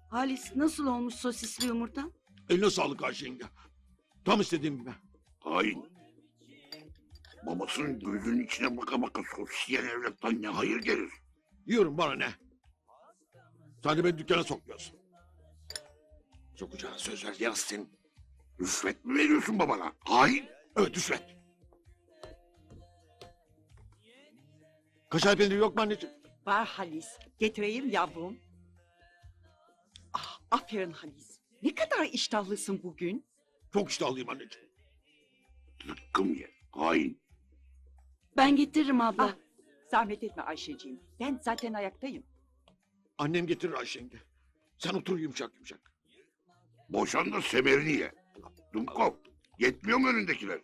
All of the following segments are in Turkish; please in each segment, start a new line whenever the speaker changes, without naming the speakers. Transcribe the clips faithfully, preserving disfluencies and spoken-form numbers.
Halis nasıl olmuş sosisli yumurta?
Eline sağlık Ayşe yenge. Tam istediğim gibi.
Hain. Babasının gözünün içine baka baka sos yiyen evlattan ne hayır gelir?
Yiyorum, bana ne? Sen de beni dükkana sokmuyorsun. Sokacağına söz ver Yasin.
Rüşvet mi veriyorsun babana? Hain.
Evet, rüşvet. Kaşar peyniri yok mu anneciğim?
Var Halis. Getireyim yavrum. Ah, aferin Halis. Ne kadar iştahlısın bugün.
Çok iştahlıyım anneciğim.
Zıkkım ye. Hain.
Ben getiririm abla.
Ah, zahmet etme Ayşeciğim. Ben zaten ayaktayım.
Annem getirir Ayşe yenge. Sen otur yumuşak yumuşak.
Boşan da semerini ye. Dumkov. Yetmiyor mu önündekiler?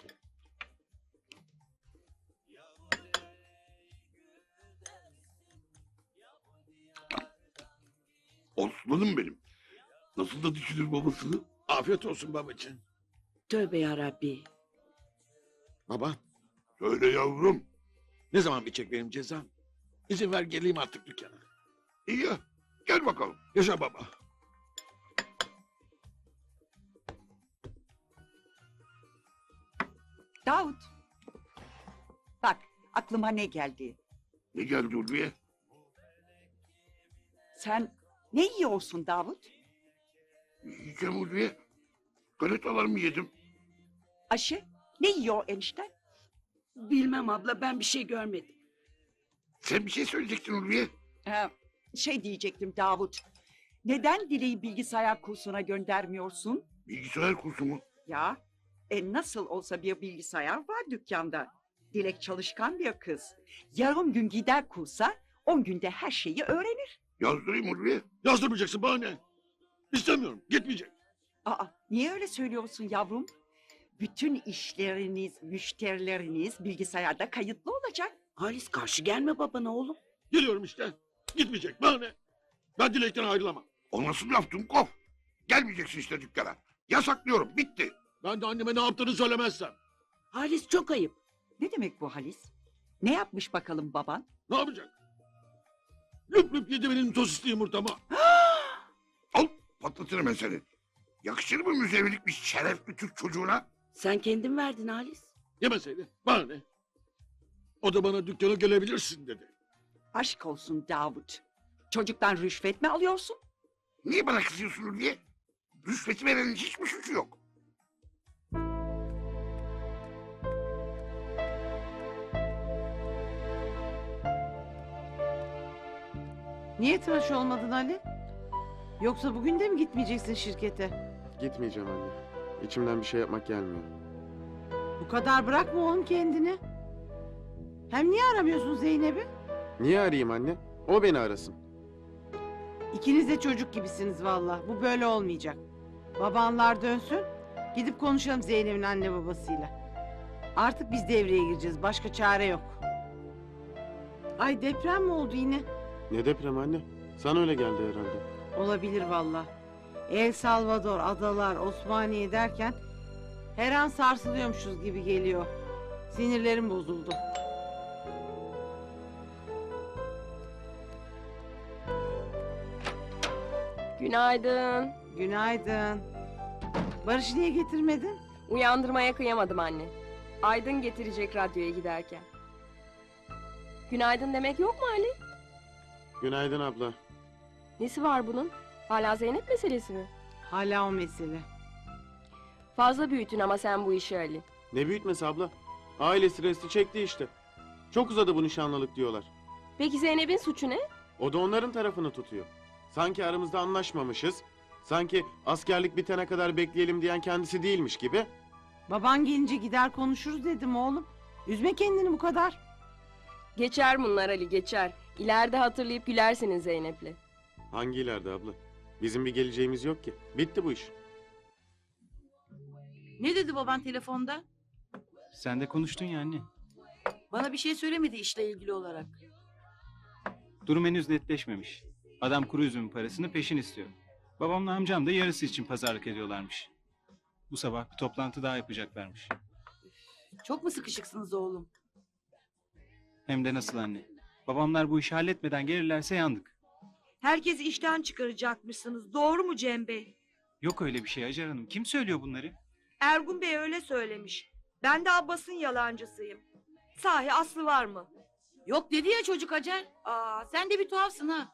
Osman'ım benim. Nasıl da düşünür babasını?
Afiyet olsun babacığım.
Tövbe yarabbi.
Baba,
Söyle yavrum.
ne zaman bitecek benim cezam? İzin ver geleyim artık dükkana.
İyi ya. Gel bakalım.
Yaşa baba.
Davut. Bak aklıma ne geldi.
Ne geldi Ulviye?
Sen ne yiyorsun Davut?
Yiyeceğim Ulviye. Galetalarımı yedim.
Ayşe ne yiyor enişten?
Bilmem abla, ben bir şey görmedim.
Sen bir şey söyleyecektin Ulviye.
Ee, şey diyecektim Davut. Neden Dile'yi bilgisayar kursuna göndermiyorsun?
Bilgisayar kursu mu?
Ya e nasıl olsa bir bilgisayar var dükkanda. Dilek çalışkan bir kız. Yarım gün gider kursa on günde her şeyi öğrenir.
Yazdırayım Ulviye.
Yazdırmayacaksın, bana ne? İstemiyorum, gitmeyecek.
Aa niye öyle söylüyorsun yavrum? Bütün işleriniz, müşterileriniz bilgisayarda kayıtlı olacak.
Halis karşı gelme babana oğlum.
Geliyorum işte. Gitmeyecek, bana ne? Ben Dilek'ten ayrılamam.
O nasıl laf Dumkov? Gelmeyeceksin işte dükkana. Yasaklıyorum. Bitti.
Ben de anneme ne yaptığını söylemezsem.
Halis çok ayıp.
Ne demek bu Halis? Ne yapmış bakalım baban?
Ne yapacak? Lüp lüp yedi benim sosisli yumurtamı.
Al patlatırım ben seni. Yakışır mı müzevilik bir şerefli Türk çocuğuna?
Sen kendin verdin Halis.
Yemeseydi, bana ne? O da bana dükkana gelebilirsin dedi.
Aşk olsun Davut. Çocuktan rüşvet mi alıyorsun?
Niye bana kızıyorsun Ulviye? Rüşveti verenin hiçbir suçu yok.
Niye tıraş olmadın Ali? Yoksa bugün de mi gitmeyeceksin şirkete?
Gitmeyeceğim anne. İçimden bir şey yapmak gelmiyor.
Bu kadar bırakma oğlum kendini. Hem niye aramıyorsun Zeynep'i?
Niye arayayım anne? O beni arasın.
İkiniz de çocuk gibisiniz valla. Bu böyle olmayacak. Babanlar dönsün. Gidip konuşalım Zeynep'in anne babasıyla. Artık biz devreye gireceğiz. Başka çare yok. Ay deprem mi oldu yine?
Ne deprem anne? Sana öyle geldi herhalde.
Olabilir valla. El Salvador, adalar, Osmaniye derken her an sarsılıyormuşuz gibi geliyor. Sinirlerim bozuldu.
Günaydın.
Günaydın. Barış'ı niye getirmedin?
Uyandırmaya kıyamadım anne. Aydın getirecek radyoya giderken. Günaydın demek yok mu Ali?
Günaydın abla.
Nesi var bunun? Hala Zeynep meselesi mi?
Hala o mesele.
Fazla büyütün ama sen bu işi Ali.
Ne büyütmesi abla? Aile stresi çekti işte. Çok uzadı bu nişanlılık diyorlar.
Peki Zeynep'in suçu ne?
O da onların tarafını tutuyor. Sanki aramızda anlaşmamışız. Sanki askerlik bitene kadar bekleyelim diyen kendisi değilmiş gibi.
Baban gelince gider konuşuruz dedim oğlum. Üzme kendini bu kadar.
Geçer bunlar Ali, geçer. İleride hatırlayıp gülersiniz Zeynep'le.
Hangi ileride abla? Bizim bir geleceğimiz yok ki. Bitti bu iş.
Ne dedi baban telefonda?
Sen de konuştun ya anne.
Bana bir şey söylemedi işle ilgili olarak.
Durum henüz netleşmemiş. Adam kuru üzümün parasını peşin istiyor. Babamla amcam da yarısı için pazarlık ediyorlarmış. Bu sabah bir toplantı daha yapacaklarmış.
Çok mu sıkışıksınız oğlum?
Hem de nasıl anne. Babamlar bu işi halletmeden gelirlerse yandık.
Herkesi işten çıkaracakmışsınız. Doğru mu Cem Bey?
Yok öyle bir şey Hacer Hanım. Kim söylüyor bunları?
Ergun Bey öyle söylemiş. Ben de Abbas'ın yalancısıyım. Sahi Aslı var mı?
Yok dedi ya çocuk Hacer. Aa, sen de bir tuhafsın ha.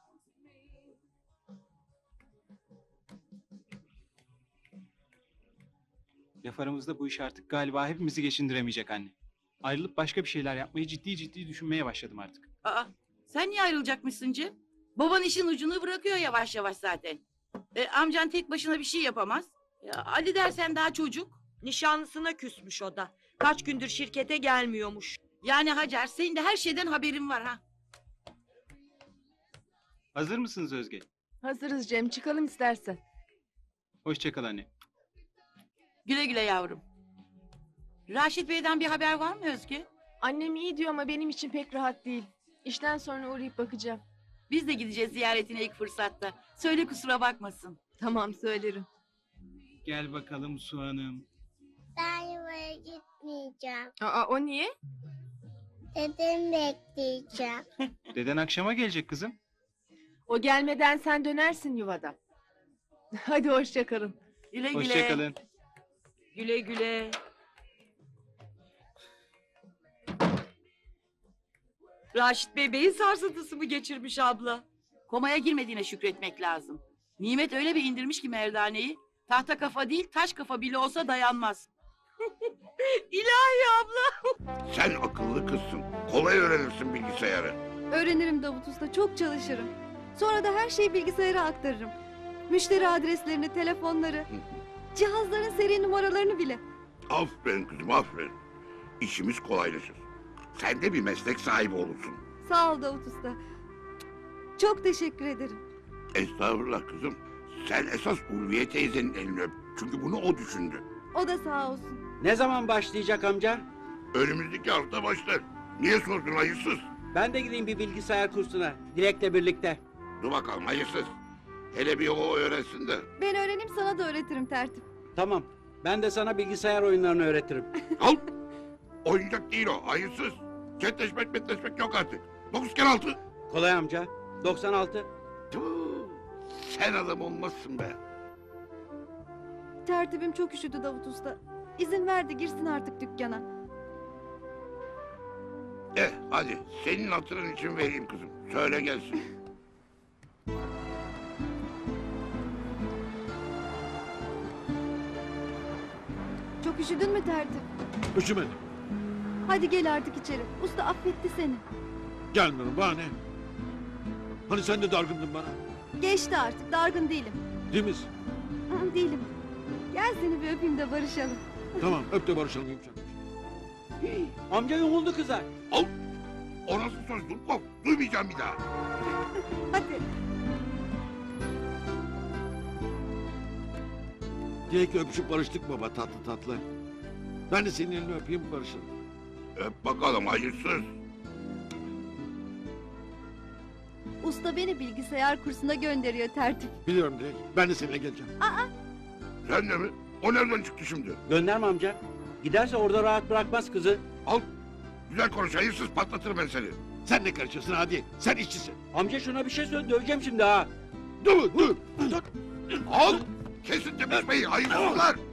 Laf aramızda bu iş artık galiba hepimizi geçindiremeyecek anne. Ayrılıp başka bir şeyler yapmayı ciddi ciddi düşünmeye başladım artık.
Aa, sen niye ayrılacakmışsın Cem? Baban işin ucunu bırakıyor yavaş yavaş zaten. E, amcan tek başına bir şey yapamaz. Ya, Ali dersen daha çocuk.
Nişanlısına küsmüş o da. Kaç gündür şirkete gelmiyormuş.
Yani Hacer senin de her şeyden haberin var ha.
Hazır mısınız Özge?
Hazırız Cem, çıkalım istersen.
Hoşça kal anne.
Güle güle yavrum. Raşit Bey'den bir haber var mı Özge?
Annem iyi diyor ama benim için pek rahat değil. İşten sonra uğrayıp bakacağım.
Biz de gideceğiz ziyaretine ilk fırsatta. Söyle kusura bakmasın.
Tamam, söylerim.
Gel bakalım Su Hanım.
Ben yuvaya gitmeyeceğim.
Aa, o niye?
Dedemi bekleyeceğim.
Deden akşama gelecek kızım.
O gelmeden sen dönersin yuvada. Hadi hoşça kalın.
Güle güle.
Hoşça kalın.
Güle güle. Raşit Bey beyin sarsıntısı mı geçirmiş abla?
Komaya girmediğine şükretmek lazım. Nimet öyle bir indirmiş ki merdaneyi. Tahta kafa değil taş kafa bile olsa dayanmaz.
İlahi abla.
Sen akıllı kızsın. Kolay öğrenirsin bilgisayarı.
Öğrenirim Davut Usta, çok çalışırım. Sonra da her şeyi bilgisayara aktarırım. Müşteri adreslerini, telefonları, cihazların seri numaralarını bile.
Aferin kızım aferin. İşimiz kolaylaşır. Sen de bir meslek sahibi olursun.
Sağ ol Davut Usta. Çok teşekkür ederim.
Estağfurullah kızım. Sen esas Ulviye teyzenin elini öp. Çünkü bunu o düşündü.
O da sağ olsun.
Ne zaman başlayacak amca?
Önümüzdeki hafta başlar. Niye sordun hayırsız?
Ben de gideyim bir bilgisayar kursuna. Dilek'le birlikte.
Dur bakalım hayırsız. Hele bir o öğrensin de.
Ben öğreneyim, sana da öğretirim tertip.
Tamam. Ben de sana bilgisayar oyunlarını öğretirim.
Al. Oyuncak değil o hayırsız. Çetleşmek metleşmek yok artık. Dokuz kere altı.
Kolay amca. doksan altı.
Tüh, sen adam olmazsın be.
Tertibim çok üşüdü Davut Usta. İzin ver de girsin artık dükkana.
Eh hadi senin hatırın için vereyim kızım. Söyle gelsin.
Çok üşüdün mü tertip?
Üşümedim.
Hadi gel artık içeri. Usta affetti seni.
Gelmiyorum bahane. Hani sen de dargındın bana.
Geçti artık, dargın değilim.
Değil misin?
Hı, değilim. Gel seni bir öpeyim de barışalım.
Tamam öp de barışalım yumuşak.
Amca yumuldu kıza.
Al. O nasıl söz Dumkov? Duymayacağım bir daha.
Hadi.
Dilek'le öpüşüp barıştık baba tatlı tatlı. Ben de senin elini öpeyim barışalım.
Öp bakalım hayırsız.
Usta beni bilgisayar kursuna gönderiyor tertip.
Biliyorum Dilek. Ben de seninle geleceğim.
Sen de mi? O nereden çıktı şimdi?
Gönderme amca. Giderse orada rahat bırakmaz kızı.
Al. Güzel konuş hayırsız patlatırım ben seni.
Sen ne karışıyorsun hadi. Sen işçisin.
Amca şuna bir şey söyle, döveceğim şimdi ha.
Dur dur. Dur.
Al. Kesin tepişmeyi hayırsızlar.